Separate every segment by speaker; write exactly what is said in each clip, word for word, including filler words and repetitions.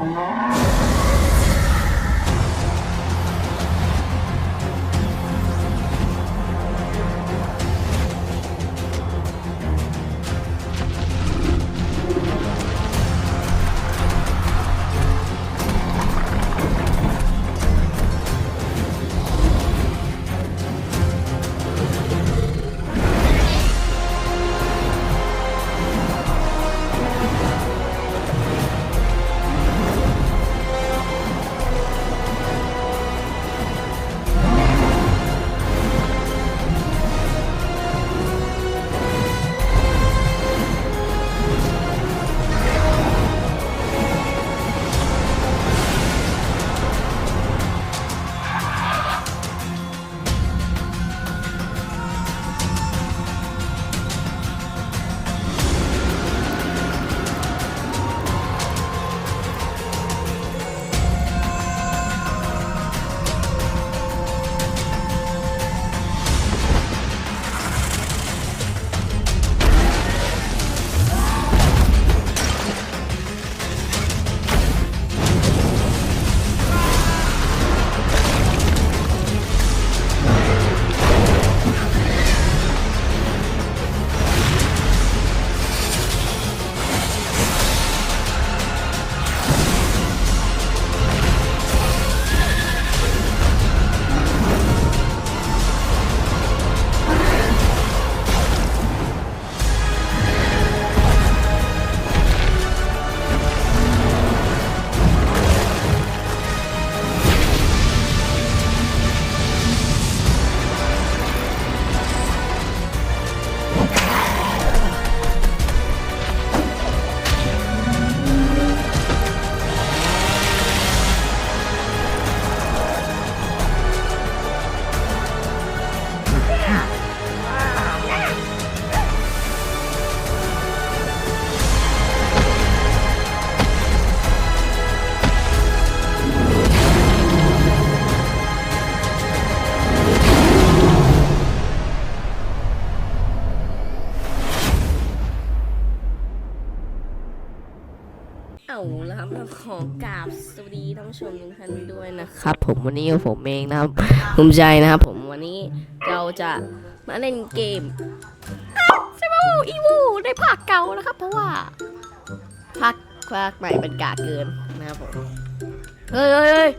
Speaker 1: เอาแล้วครับขอกราบสวัสดีท่านผู้ชมทุกท่านด้วยนะครับผมวันนี้ผมเองนะครับภูมิใจนะครับผมวันนี้เราจะมาเล่นเกมเซเวอร์อีวูในภาคเก่านะครับเพราะว่าภาคภาคใหม่เป็นกากเกินนะครับผมเฮ้ยเฮ้ยเฮ้ย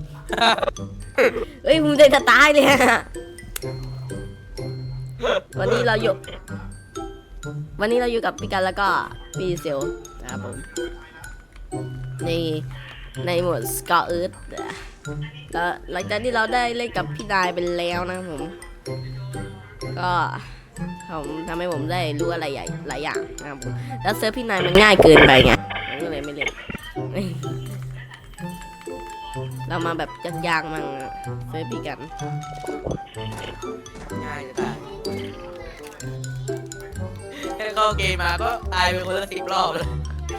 Speaker 1: เฮ้ยภูมิใจจะตายเลยวันนี้เราอยู่วันนี้เราอยู่กับพี่กันแล้วก็พี่เซลนะครับผมในในหมวดสกอตเอิร์ธแล้วหลังจากที่เราได้เล่นกับพี่นายไปแล้วนะครับผมก็ผมทำให้ผมได้รู้อะไรใหญ่หลายอย่างนะครับผมแล้วเซิร์ฟพี่นายมันง่ายเกินไปไงผมก็เลยไม่เล่นเรามาแบบยากๆมั่งเซิร์ฟพี่กัน
Speaker 2: ง่ายจะตายแค่เข้าเกมมาก็ตายไปคนละสิบรอบเลย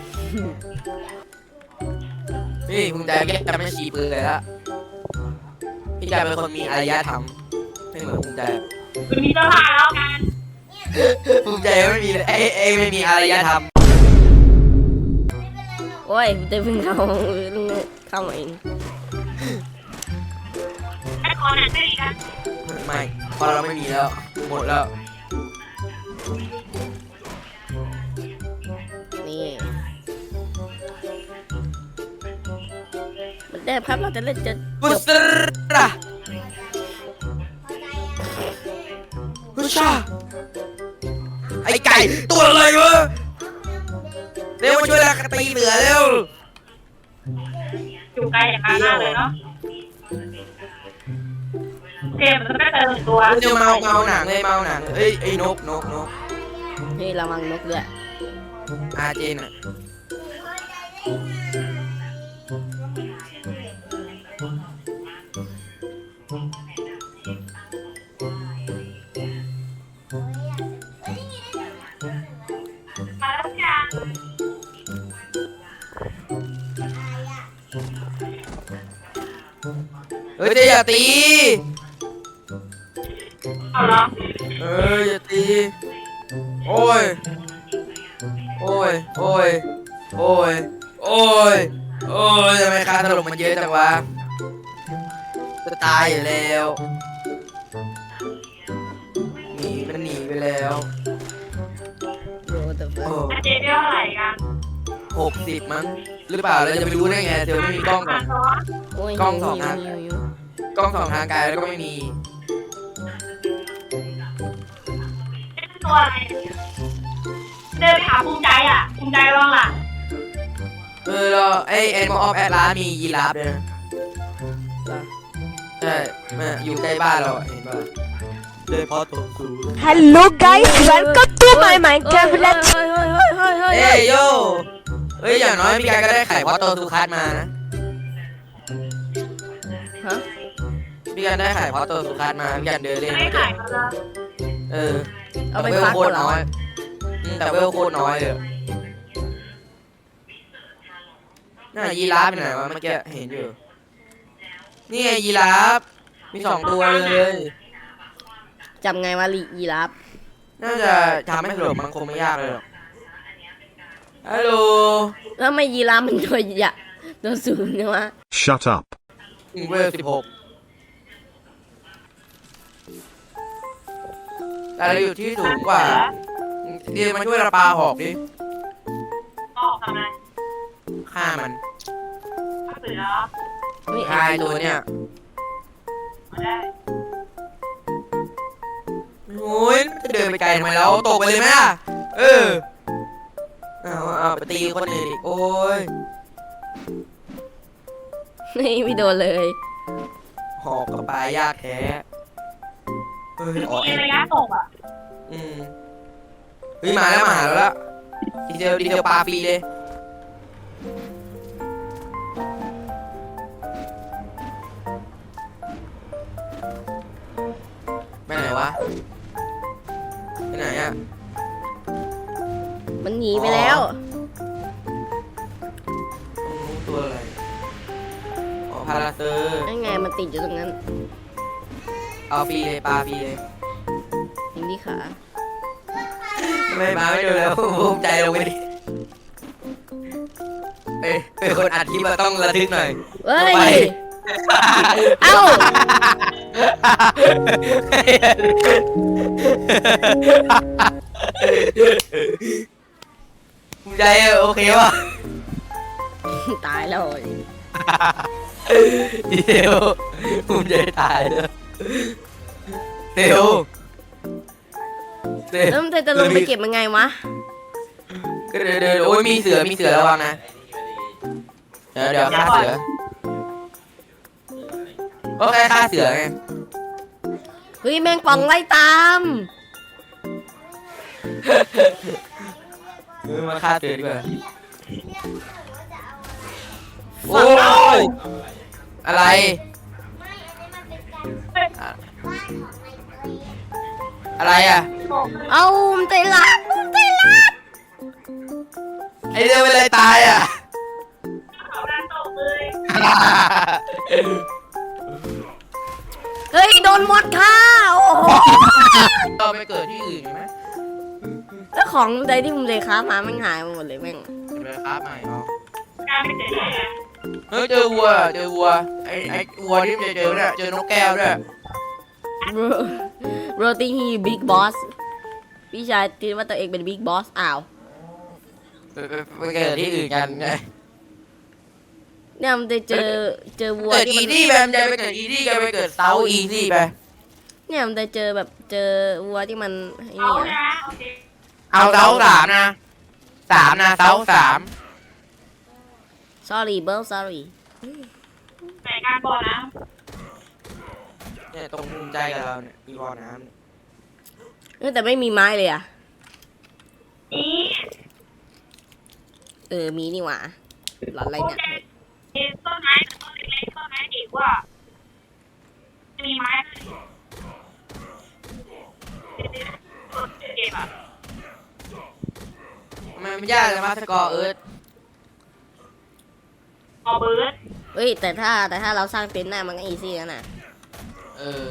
Speaker 2: พี่ภูมิใจแค่จะไม่ฉีปืนเลยละพี่ใจเป็นคนมีอารยธรรมไม่เหมือนภูมิใจ
Speaker 3: มีตลาดแล้วกัน
Speaker 2: ภูมิใจไม่มีเอ้เอ้ไม่มีอารยธรรม
Speaker 1: โอ้ยจะเพิ่งเข้าเข้ามาเอง
Speaker 3: ไอ้คอนไม่ดีนะ
Speaker 2: ไม่พอเราไม่มีแล้วหมดแล้ว
Speaker 1: นี่มันได้ครับเราจะเล่นจะ
Speaker 2: บุษราบุษราไอ้ไก่ตัวอะไรวะเร็วมาช่วยเราตีเหลือเร็ว
Speaker 3: อยู่ไกลอย่างนั้นมากเลยเนาะเกมมันไม่เติมตัว
Speaker 2: เดี๋ยวเมาเมาหนังเลยเมาหนังเอ้ยไอ้นกนกนก
Speaker 1: นี่ระวังนกด้วย
Speaker 2: อาเจนอ่ะเฮ้ยอย่าตี
Speaker 3: เอาเหรอ
Speaker 2: เอออย่าตีโอ้ยโอ้ยโอ้ยโอ้ยโอ้ยโอ้ยทำไมค่าถล่มมันเยอะจังวะจะตายอยู่แล้วหนีมันหนีไปแล้ว
Speaker 1: โอ้แต่
Speaker 2: โอ้
Speaker 3: อาเจเท่าไหร่กัน
Speaker 2: หกสิบมั้งหรือเปล่าเราจะไปรู้ได้ไงเธอไม่มีกล้องก่อน
Speaker 3: ซ้อน
Speaker 1: โอ้ย
Speaker 2: กล้องสอง
Speaker 1: หิว
Speaker 2: อัน
Speaker 1: หิวหิว
Speaker 2: กล้องสองทางไกลแล้วก็ไม่มี
Speaker 3: เป็นตัวอะไรเดินไปหาภูมิใจอ่ะภูมิใจบ้างล่ะ
Speaker 2: เออเราไอเอ็นมออฟแอดลามียีราฟด้วยนะใช่แม่อยู่ใกล้บ้านเราอะเห็นป่ะเลยพอตัวสูง
Speaker 4: Hello guys, welcome to my Minecraft
Speaker 1: เฮ้ย
Speaker 4: Let's
Speaker 1: เฮ้ยเฮ้ยเฮ้ยเฮ้ยเฮ้ย
Speaker 2: เอ้ยโยเฮ้ยอย่างน้อยพี่กายก็ได้ไข่พอตัวสุคัสมานะ
Speaker 1: ฮะ
Speaker 2: พี่กันได้ไข่พอตัวสุคัสมาพี่กันเดินเล่น
Speaker 3: ไม่
Speaker 2: ไม่เจ
Speaker 3: ขา
Speaker 2: อย
Speaker 3: มาแล้ว
Speaker 2: เออ
Speaker 1: เอาไป
Speaker 2: แต่เวล
Speaker 1: ฟัก
Speaker 2: โค
Speaker 1: ก่อ
Speaker 2: ต
Speaker 1: น
Speaker 2: ร
Speaker 1: เหรอ
Speaker 2: น้อยอืมแต่เวลโคตรน้อยเลยน่ายีราฟไปไหนวะเมื่อกี้เห็นอยู่นี่ไงยีราฟมีสองตัวเลย
Speaker 1: จำไงว่าลียีราฟ
Speaker 2: น่าจะทำให้ถล่มมันคงไม่ยากเลยหรอกฮัลโหล
Speaker 1: แล้วทำไมยีราฟมันตัวใหญ่ตัวสูงเนี่ยวะ
Speaker 5: Shut up.
Speaker 2: ถึงเวลสิบหกแต่เราอยู่ที่สูงกว่าเดี๋ยวมาช่วยเราปาหอกดิ
Speaker 3: ออกทำไม
Speaker 2: ฆ่ามัน
Speaker 3: เสือ
Speaker 1: ไม่
Speaker 2: ฆ่าไอ้ตัวเนี่ย
Speaker 3: มาได้
Speaker 2: โอ้ยจะเดินไปไกลทำไมแล้วตกไปเลยไหมล่ะเออเอาเอาไปตีคนอื่นอีกโอ้ย
Speaker 1: ไม่ไม่โดนเลย
Speaker 2: หอกกับปลายากแท้เฮ้ยอ๋อ
Speaker 3: มี
Speaker 2: เอ็น
Speaker 3: ระยะตกอ่ะ
Speaker 2: อืมเฮ้ยมาแล้วมาหาแล้วละดีเทลดีเทลปลาฟรีเลยไปไหนวะไปไหนอ่ะ
Speaker 1: มันหนีไปแล้ว
Speaker 2: ตัวอะไรอ๋อพาราเซอร์
Speaker 1: นั่นไงมันติดอยู่ตรงนั้น
Speaker 2: เอาฟรีเลยปลาฟรีเลย
Speaker 1: ยิงที่ขา
Speaker 2: ไม่มาไม่ดูแล้วภูมิใจลงไปดิเอ้ยเป็นคนอัดคลิปเราต้องระทึกหน่อย
Speaker 1: เฮ้
Speaker 2: ลงไป
Speaker 1: ย เอ้า
Speaker 2: ภูมิใจโอเควะ
Speaker 1: ตายแล้ว
Speaker 2: ดีเทลภูมิใจตายเลยเร็วเร็ว
Speaker 1: แล้วมันจะลงไปเก็บยังไงวะ
Speaker 2: ก็เดี๋ยวเดี๋ยวโอ้ยมีเสือมีเสือระวังนะเดี๋ยวเดี๋ยวฆ่าเสือก็แค่ฆ่าเสือไง
Speaker 1: เฮ้ยแมงป่องไล่ตาม
Speaker 2: เออมาฆ่าเสือดีกว่า
Speaker 1: โอ้
Speaker 2: โอ้ยอะไร อะไรอ่ะ
Speaker 1: เอามันใจรักมันใจรัก
Speaker 2: ไอเรื่องเป็นอะไรตายอ่ะ
Speaker 3: เขาดันตกเลย
Speaker 1: เฮ้ยโดนมดฆ่าโอ้โห
Speaker 2: ก็ไปเกิดที่อื่นไหม
Speaker 1: แล้วของใดที่มึงเลยค้ามาแม่งหายหมดเลยแม่ง
Speaker 2: ไปครับใหม่อ๋อ
Speaker 3: การไปเจอ
Speaker 2: เฮ้ยเจอวัวเจอวัวไอไอวัวที่มันจะเจอเนี่ยเจอนกแก้วด้วย
Speaker 1: โรตีฮีบิ๊กบอสพี่ชายคิดว่าตัวเองเป็นบิ๊กบอสอ้าว
Speaker 2: ไปไปไปเกิดที่อื่นกันไง
Speaker 1: เนี่ยมันจะเจอเจอวัว
Speaker 2: เกิด
Speaker 1: ที่
Speaker 2: อี
Speaker 1: มัน
Speaker 2: ดี้ไปมันจะไปเกิดอีดี้กันไปเกิดเซาอีดี้ไป
Speaker 1: เนี่ยมันจะเจอแบบเจอวัวที่มันไอ้
Speaker 3: เอา
Speaker 1: นี่อะ
Speaker 3: นะโอเค
Speaker 2: เอาเซาสามนะสามนะเซาสาม
Speaker 1: sorry bro sorry
Speaker 3: ไหนการบอลนะ
Speaker 2: เนี่ยตรงภูมิใจกับเราเนี่ยมีบ่อน้ำเนี่ย
Speaker 1: เออแต่ไม่มีไม้เลยอะ
Speaker 3: นี่
Speaker 1: เออมีนี่หว่าหลอนอะไร
Speaker 3: ภูมิ
Speaker 1: เนี่ย
Speaker 3: ใจต้นไม้ต้นเล็กๆต้นไม้ดีกว่ามีไม้เก็บอ่ะ
Speaker 2: ทำไมมันยากจังวะสกอร์เอิร์ธ
Speaker 3: ออเบิร์ด
Speaker 1: เฮ้ยแต่ถ้าแต่ถ้าเราสร้างเต็นท์ได้มันก็อีซี่แล้วนะ
Speaker 2: เออ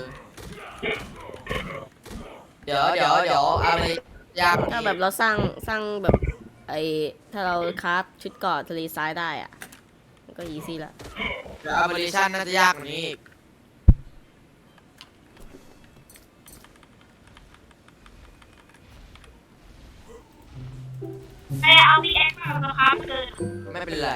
Speaker 2: เดี๋ยวเดี๋ยวเดี๋ยวเอาไปยาก
Speaker 1: ถ้าแบบเราสร้างสร้างแบบไอถ้าเราคราฟชุดเกราะทะเลทรายได้อะก็อีซี่ละ
Speaker 2: แต่อัปเดชั่นน่าจะยากกว่านี้อีก
Speaker 3: ไอ้เอาพี่เอ็กซ์มาสครับเกิน
Speaker 2: ไม่เป็นไร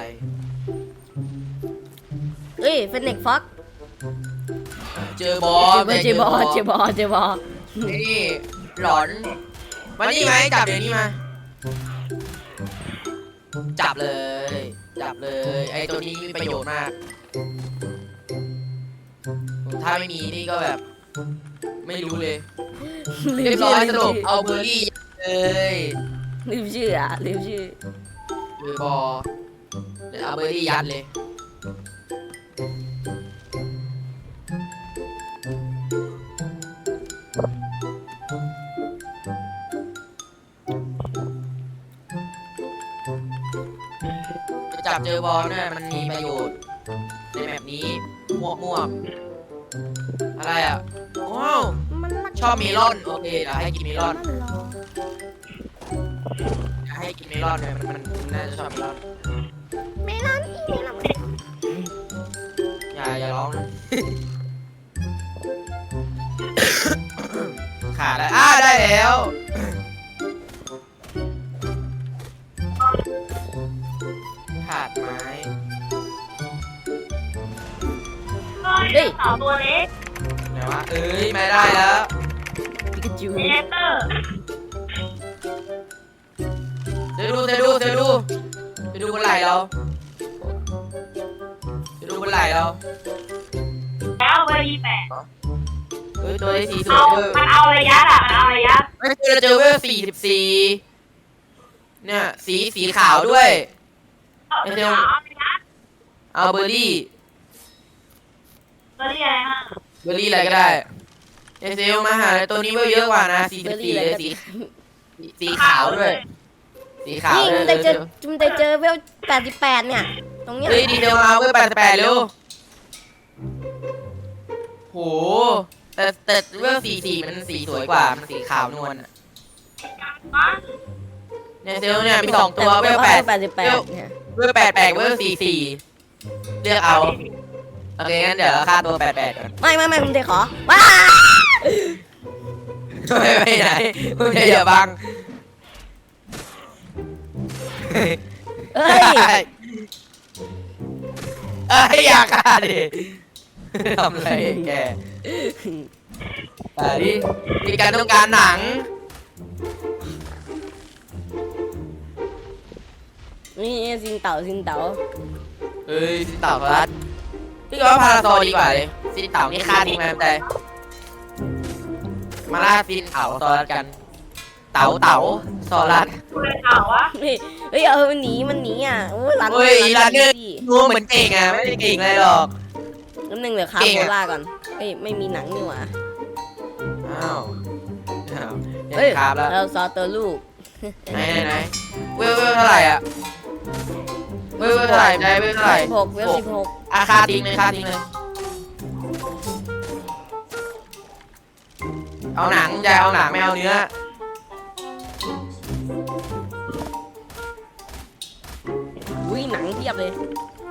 Speaker 1: เอ้ยเฟนเน็กฟ็อก
Speaker 2: เจอบอส
Speaker 1: เจอบอเจอบอเจอบอ
Speaker 2: นี่หลอนมานี่ไหมจับเดี๋ยวนี้มา จับเลย จับเลย ไอ้ตัวนี้มีประโยชน์มาก ถ้าไม่มีนี่ก็แบบ ไม่รู้เลย
Speaker 1: ลื
Speaker 2: เรี
Speaker 1: ม
Speaker 2: ยบร้
Speaker 1: ชื่
Speaker 2: อย
Speaker 1: อ
Speaker 2: สรุปเอาเบอร์รี่เลย
Speaker 1: ลืมชื่ออ่ะลืมชื่อ
Speaker 2: เบอร์บอเดี๋ยวเอาเบอร์รี่ยัดเลย จะจับเจอบอลเนี่ยมันมีประโยชน์ในแบบนี้มั่วมั่วๆอะไรอ่ะว้าวชอบเมลอนโอเคเดี๋ยวให้กินเมลอนเดี๋ยวให้กินเมลอนเนี่ยมันมันมันน่าจะชอบเมลอน
Speaker 1: เมลอนเมลอน
Speaker 2: อย่าอย่าร้องนะ ขาดแล้วอ่าได้แล้วขาดไม้
Speaker 3: เฮ้ยสาวตัวเล็ก
Speaker 2: ไหนวะเอ้ยไม่ได้แล้ว
Speaker 1: ปิกาจู
Speaker 3: เนเตอร์
Speaker 2: เธอดูเธอดูเธอดูเธอดูบนไหล่เราเธอดูบนไหล่เรา
Speaker 3: แล้วเบอร์ยี่แปด
Speaker 2: เฮ้ยตัวไอ้สีสว
Speaker 3: เอา
Speaker 2: ยเวอร์
Speaker 3: มันเอาระยะอะมันเอาระยะ
Speaker 2: ไม่เจอเจอเวอร์สี่สิบสี่เนี่ยสีสีขาวด้วย
Speaker 3: เอาระยะเอาระยะ
Speaker 2: เอาเบอร์รี่
Speaker 3: เบอร์รี่อะไรฮะ
Speaker 2: เบอร์รี่อะไรก็ได้เอเซลมาหาตัวนี้เวอร์เยอะกว่านะสี่
Speaker 1: เบ
Speaker 2: สิ
Speaker 1: อบ ร์
Speaker 2: สี่
Speaker 1: รี่อะไร
Speaker 2: เลย
Speaker 1: กัน
Speaker 2: สีสีขาวด้วย สีขาว
Speaker 1: นี่
Speaker 2: เล
Speaker 1: มึ
Speaker 2: ย
Speaker 1: งได้เจอมึงได้เจอเวลแปดสิบแปดเนี่ย ตรงเนี้ย
Speaker 2: เฮ้ยดีเทลมาเวอร์แปดแปดเร็วโหแต่แต่เวอร์สี่สี่มันสีสวยกว่ามันสีขาวนวลอะ
Speaker 3: มา
Speaker 2: เนี่ยเซลเนี่ยมีสองตัวเว
Speaker 1: แต่
Speaker 2: อร์แปด
Speaker 1: แปดสิบแปดเนี่ย
Speaker 2: เวอร์แปดแปดเวอร์สี่สี่เลือกเอาโอเคงั้นเดี๋ยวค่าตัวแปดแปดก่อน
Speaker 1: ไม่ไม่ไม่มึงได้ขอว้า
Speaker 2: ไม่ไปไหนมึงอย่าบัง
Speaker 1: เอ้ย
Speaker 2: เอ้ยอยากฆ่าดิทำอะไรแกแต่ดิมีการต้องการหนัง
Speaker 1: นี่ซินเต่าซินเต่า
Speaker 2: เอ้ยสินเต่าพลัดพี่ว่าพาราโซดีกว่าเลยสินเต่านี่ฆ่าทิ้งมาแต่มาล่าสินเต่าซอรัสกัน เต่าเต่าซอรัส
Speaker 3: คุณเลยเอาวะ
Speaker 1: เฮ้ยเฮ้ยเออมันหนีมันหนีอ่ะโอ้ยรัน
Speaker 2: เฮ้ยรันเนอร์
Speaker 1: พี่
Speaker 2: งูเหมือนเก่งอ่ะไม่ได้เก่งอะไรหรอก
Speaker 1: น้ำหนึ่งเหลือคา
Speaker 2: เก่ง
Speaker 1: โบ
Speaker 2: อะ
Speaker 1: ล่าก่อนเฮ้ยไม่มีหนังนี่หว่า
Speaker 2: อ้าวอ้าว
Speaker 1: เฮ้ย
Speaker 2: เห็นครับแล้ว
Speaker 1: เราซอตัวลูก
Speaker 2: ไหนไหนไหนเวลเวลเท่าไหร่อ่ะเวลเวลเท่าไหร่ได้เวลเท่าไหร่
Speaker 1: สิบหกเวลสิบหก
Speaker 2: อาคาทิ้งเลยคาทิ้งเลยเอาหนังจะเอาหนังไม่เอาเนื้อ
Speaker 1: อุ้ยหนังเทียบเลย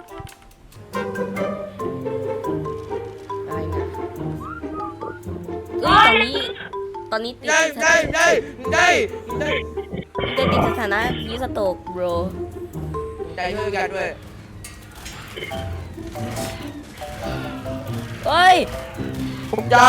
Speaker 1: อะไรเนี่ยเอ้ยตอนนี้ตอนนี้ติด
Speaker 2: ได้ได้ได้ได้ได้
Speaker 1: จะติดสถานะพีสโตกโบร
Speaker 2: ได้ช่วยกันด้วย
Speaker 1: เฮ้ย
Speaker 2: ผมใจ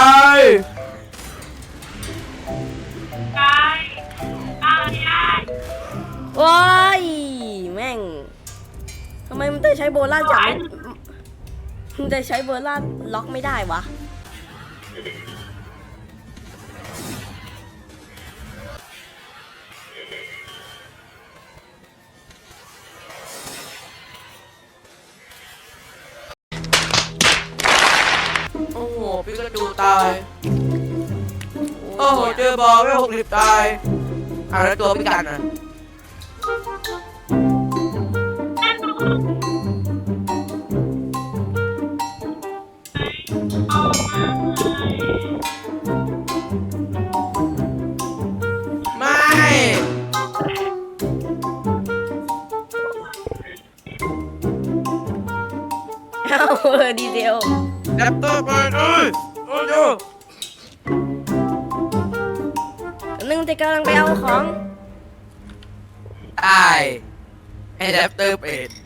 Speaker 3: กายเอาไม่ได้
Speaker 1: ว้ายแม่งทำไมมันได้ใช้โบล่าจับไม่มันได้ใช้โบล่าล็อกไม่ได้วะ
Speaker 2: โอ้โหพี่กระดูตายโอ้โหเจอบอลไม่หกสิบตายเอาแล้วตัวพี่กันอ่ะไม่
Speaker 1: เอ้าดีเซล
Speaker 2: แรปเตอร์ไปเลยโอ้ย
Speaker 1: นึงแต่กำลังไปเอาของ
Speaker 2: ได้ให้แรปเตอร์เป็ด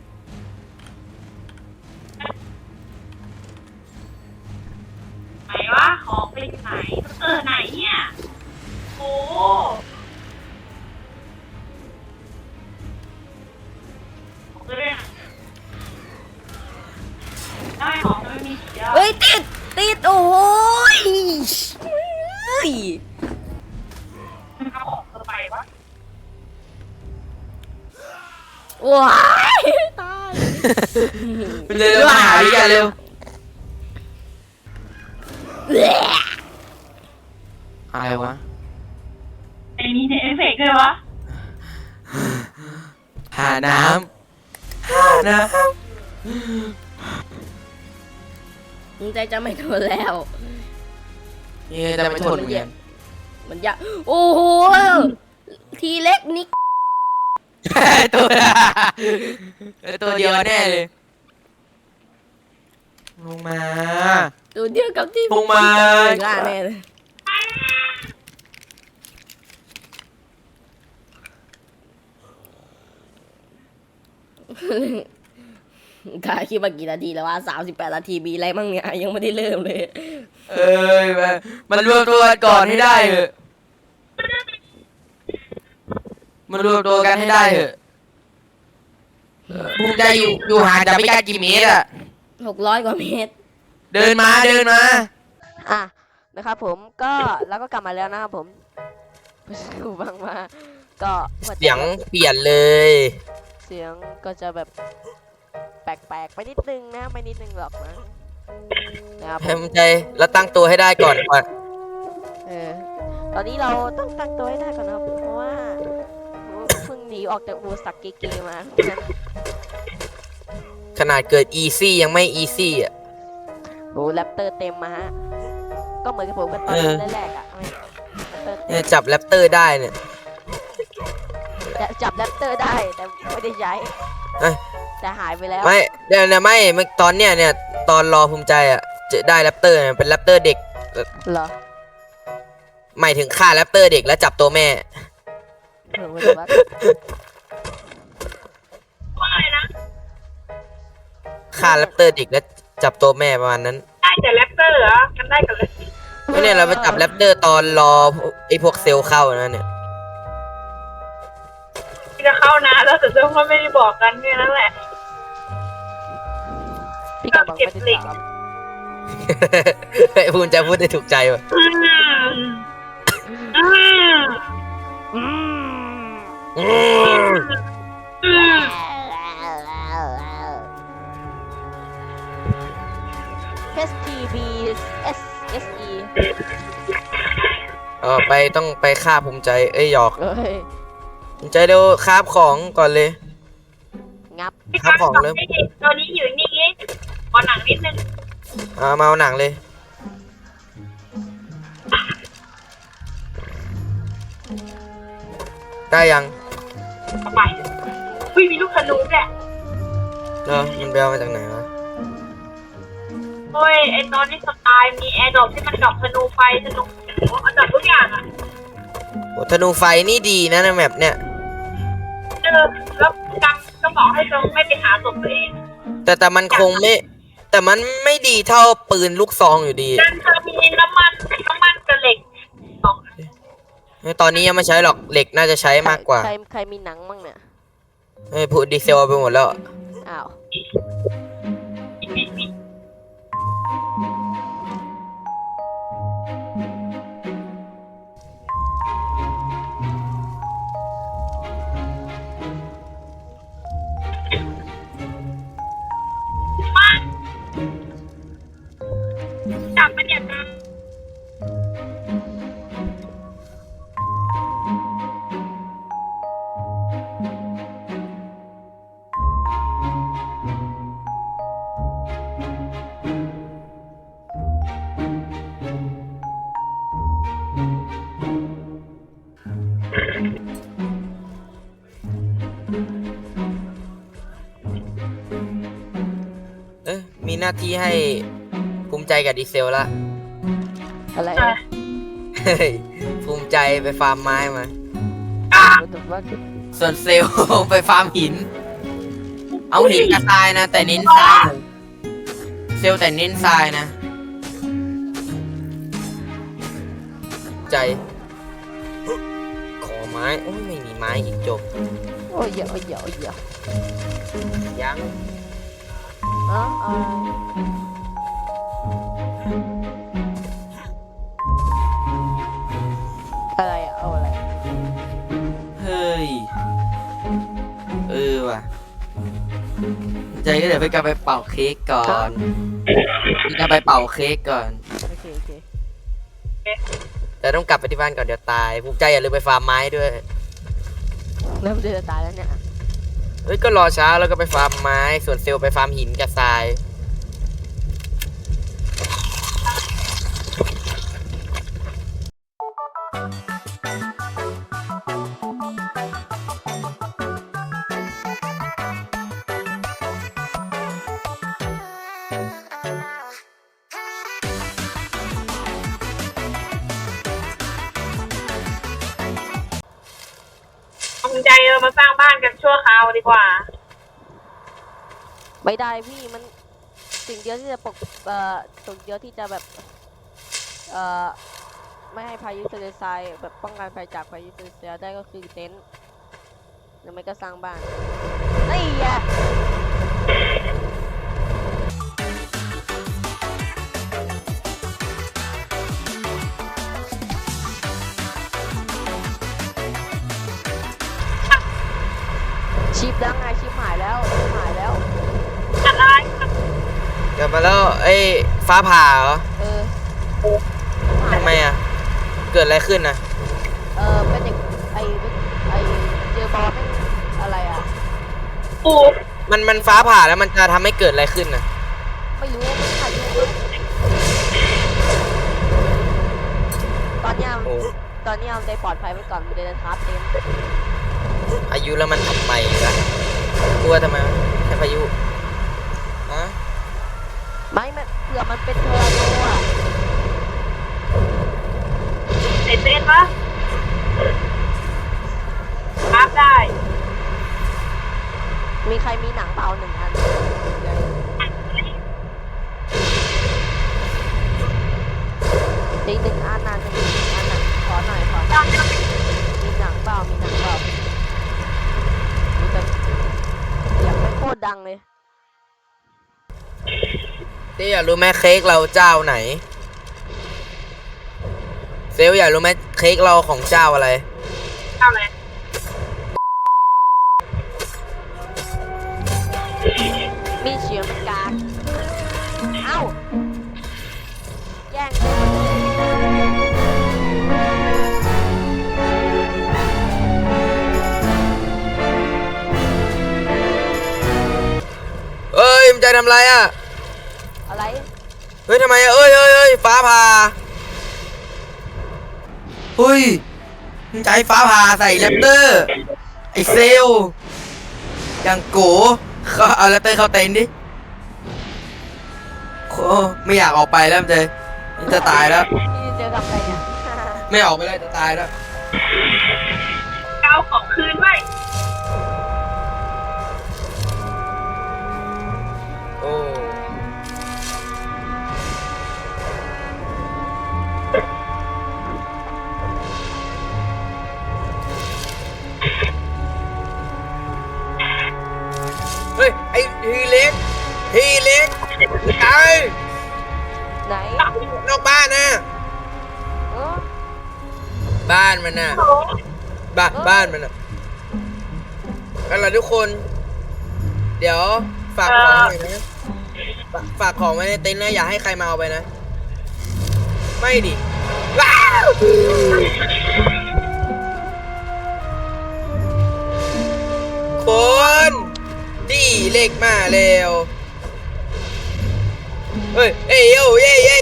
Speaker 3: ไหนวะของไปไหนเออไหนเนี่ยโอ้ของไปเลยได้ของมันไม่มีสีแล้ว
Speaker 1: เฮ้ยติดติดโอ้ยเฮ้ย
Speaker 3: เอาของเธอไปวะ
Speaker 1: ว้ายตาย
Speaker 2: เร็วมาหาพี่กันเร็วอะไรวะ
Speaker 3: ไอ้นี่เนี่ยเอฟเฟกต์เลยวะ
Speaker 2: หาน้ำหาน้
Speaker 1: มึงใจจะไม่ทนแล้ว
Speaker 2: ำนี่จะไม่ทนเหมือนกัน
Speaker 1: มันยากโอ้โหทีเล็กนิก
Speaker 2: ตัวตัวเดียวแน่เลยลงมา
Speaker 1: ตัวเดียวกับที่
Speaker 2: ลงมา
Speaker 1: ล่าแน่เลยถ่ายคลิปมากี่นาทีแล้วว่าสามสิบแปดนาทีมีอะไรบ้างเนี่ยยังไม่ได้เริ่มเลย
Speaker 2: เอ้ยมันมันรวมตัวกันก่อนให้ได้เถอะมันรวมตัวกันให้ได้เถอะภูมิใจอยู่อยู่ห่างจากไม่กล้ากี่เมตรอะ
Speaker 1: หกร้อยกว่าเมตร
Speaker 2: เดินมาเดินมา
Speaker 1: อ่ะนะครับผมก็แล้วก็กลับมาแล้วนะครับผมกูฟังมาก็หัวใจ
Speaker 2: เสียงเปลี่ยนเลย
Speaker 1: เสียงก็จะแบบแปลกๆไปนิดนึงนะไม่นิดนึงหรอกนะนะครับผ
Speaker 2: ให้
Speaker 1: ม
Speaker 2: ภูมิใจแล้วตั้งตัวให้ได้ก่อนก่อน
Speaker 1: เออตอนนี้เราต้องตั้งตัวให้ได้ก่อนนะครับเพราะว่าเพิ่งหนีออกจากบูสักเกๆมาเพราะฉะนั้น
Speaker 2: ขนาดเกิดอีซี่ยังไม่อีซี่อ่ะ
Speaker 1: โอ้แรปเตอร์เต็มมาฮะก็เหมือนกับผมกันตอน
Speaker 2: เออ
Speaker 1: แรกๆอ่ะไม่แรปเตอร์เต็
Speaker 2: เนี่ย
Speaker 1: ม
Speaker 2: จับแรปเตอร์ได้เนี่ย
Speaker 1: แต่จับแรปเตอร์ได้แต่ไม่ได้ใช้
Speaker 2: เอ้ย
Speaker 1: แต่หายไปแล้ว
Speaker 2: ไม่เดี๋ยวนะไม่เมื่อตอนเนี้ยเนี่ยตอนรอภูมิใจอ่ะจะได้แรปเตอร์เนี่ยเป็นแรปเตอร์เด็ก
Speaker 1: เหรอ
Speaker 2: หมายถึงฆ่าแรปเตอร์เด็กแล้วจับตัวแม่
Speaker 1: เออไม่รู้ว่า
Speaker 3: ว่าอะไรนะ
Speaker 2: ฆ่าแรปเตอร์เด็กแล้วจับตัวแม่ประมาณนั้น
Speaker 3: ได้แต่แรปเตอร์เหรอกันได้กันเลย
Speaker 2: ไม่เนี่ยเราไปจับแรปเตอร์ตอนรอไอ้พวกเซลล์เข้านะเนี่ย
Speaker 3: ที่จะเข้านะแล้วแต่เจ้าก็ไม่ได้บอกกันแค่นั้นแหละ
Speaker 1: พี่กำลังไม่ได้ถาม
Speaker 2: ไอ้ภูมิใจพูดได้ถูกใจว่ะ
Speaker 3: อืมอืม
Speaker 1: อืม
Speaker 2: อืม
Speaker 3: อืม
Speaker 1: H T B S S E
Speaker 2: เออไปต้องไปฆ่าภูมิใจเอ้ยหยอก
Speaker 1: เอ้ย
Speaker 2: ภูมิใจเร็วคาบของก่อนเลย
Speaker 1: งับ
Speaker 3: พี่
Speaker 2: ครั
Speaker 3: กา
Speaker 2: บ
Speaker 3: ร
Speaker 2: ของ
Speaker 3: บอก
Speaker 2: เริ่ม
Speaker 3: ให้ตอนนี้อยู่นี่งี้ขอหนังนิดนึง
Speaker 2: อ่ามาเอาหนังเลย ได้ยัง
Speaker 3: เอาไปอุ้ยมีลูกธนูแหละ
Speaker 2: เนาะมันไปเอามาจากไหนวะ
Speaker 3: โอ้ยไอตอนที่สไตล์มีแอร์ดรอปที่มันดรอปธนูไฟธนูเอาจับทุกอย่างอ่ะ
Speaker 2: โอ้ธนูไฟนี่ดีนะในแมปเนี่ย
Speaker 3: เออแล้วกำก็บอกให้จงไม่ไปหาศพตัวเอง
Speaker 2: แต่แต่มันคงไม่ แต่มันไม่ดีเท่าปืนลูกซองอยู่ดี
Speaker 3: กันเธอมีน้ำมันน้ำมันกับเหล็กสอง
Speaker 2: ตอนนี้ยังไม่ใช้หรอกเหล็กน่าจะใช้มากกว่า
Speaker 1: ใครใครมีหนังมั่งเนี่ย
Speaker 2: เฮ้ยพูดดีเซลเอาไปหมดแล้ว
Speaker 1: อ้าว
Speaker 3: จับมันเนี่ยนะ
Speaker 2: เอ้ยมีหน้าที่ให้ภูมิใจกับดีเซลละ
Speaker 1: อะไร
Speaker 3: ใช่
Speaker 2: เฮ้ยภูมิใจไปฟาร์มไม้มา
Speaker 1: ว่า
Speaker 2: ส่วนเซลล์ ไปฟาร์มหิน เอาหินกับทรายนะ แต่เน้นทราย เซลล์แต่เน้นทรายนะ ใจ ขอไม้ โอ้ยไม่มีไม้อีกจบ
Speaker 1: โอ้ยเยอะโอ้ยเยอะโอ้ยเยอะ
Speaker 2: ยัง
Speaker 1: อ๋อเอาอะไรอะเอาอะไร
Speaker 2: เฮ้ย เออว่ะ ใจก็เดี๋ยวไปกลับไปเป่าเค้กก่อนพี่กลับไปเป่าเค้กก่อน
Speaker 1: โอเคโอเค
Speaker 2: แต่ต้องกลับไปที่บ้านก่อนเดี๋ยวตาย ภูมิใจอย่าลืมไปฟาร์มไม้ด้วย
Speaker 1: เริ่มจะตายแล้วเนี่ย
Speaker 2: เฮ้ยก็รอเช้าแล้วก็ไปฟาร์มไม้ ส่วนเซลล์ไปฟาร์มหินกับทราย
Speaker 3: ภูมิใจเออมาสร้างบ้านกันชั่วคราวดีกว่า
Speaker 1: ไม่ได้พี่มันสิ่งเดียวที่จะปกเอ่อสิ่งเดียวที่จะแบบเอ่อไม่ให้พายุทะเลทรายแบบป้องกันภัยจากพายุทะเลทรายได้ก็คือเต็นท์หรือไม่ก็สร้างบ้านนี่ไง ชิปแล้วไงชิปหายแล้วชิปหายแล้ว
Speaker 3: อะไร
Speaker 2: กลับมาแล้วเอ้ยฟ้าผ่าเหรอ
Speaker 1: เออ
Speaker 2: ทำไมอ่ะ เกิดอะไรขึ้นนะ
Speaker 1: เออเป็นเด็กไอไอเจอบอลไม่อะไรอ่ะ
Speaker 3: ปู
Speaker 2: มันมันฟ้าผ่าแล้วมันจะทำให้เกิดอะไรขึ้นนะ
Speaker 1: ไม่รู้ว่ามันพายุตอนเนี้ย
Speaker 2: โอ้
Speaker 1: ตอนเนี้ยมันได้ปลอดภัยไว้ก่อนมันเดินทับเต็ม
Speaker 2: พายุแล้วมันทำไมล่ะกลัวทำไมแค่พายุฮะ
Speaker 1: ไม่มันเผื่อมันเป็นเทอร์โนอ่ะ
Speaker 3: เสร็จเต้นปะครับได้
Speaker 1: มีใครมีหนังเปล่าหนึ่งอันอีกหนึ่งอันนะหนึ่งอันน่ะขอหน่อยขอหน่อยมีหนังเปล่ามีหนังเปล่ามีแต่อยากไม่โคตรดังเลย
Speaker 2: ที่อยากรู้ไหมเค้กเราเจ้าไหน เซลลอยากรู้ไหมเค้กเราของเจ้าอะไร
Speaker 3: เอาเลย
Speaker 1: มีเสียงเป็นกลางเอ้าแย่งเลย
Speaker 2: เอ้ยมันใจทำไรอ่ะ
Speaker 1: อะไร
Speaker 2: เฮ้ยทำไมอ่ะเอ้ยเอ้ยเอ้ยฟ้าผ่าเฮ้ยมันใจฟ้าผ่าใส่แรปเตอร์ ไอเซลลอย่างโกเขาเอาแรปเตอร์เข้าเต็นท์ดิโอ้ไม่อยากออกไปแล้วมันจะมันจะตายแล้ว
Speaker 1: พี่เจอกับใครเนี่ย
Speaker 2: ไม่ออกไปแล้วจะตายแล้ว
Speaker 3: เอาของคืนไว้
Speaker 2: โอ้เฮ้ยไอฮีเล็กฮีเล็กตาย
Speaker 1: ไหน
Speaker 2: นอกบ้านนะ
Speaker 1: เออ
Speaker 2: บ้านมันน่ะ
Speaker 3: โอ้
Speaker 2: บ้านบ้านมันน่ะเอาล่ะทุกคน เดี๋ยวฝากของหน่อยนะฝากฝากของไว้ในเต็นท์นะอย่าให้ใครมาเอาไปนะ ไม่ดิว้าวคนดีเล็กมาแล้วเฮ้ยเอ้ยโย่เย้เย้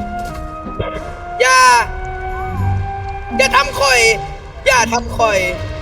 Speaker 2: อย่า อย่าทำข่อย อย่าทำข่อย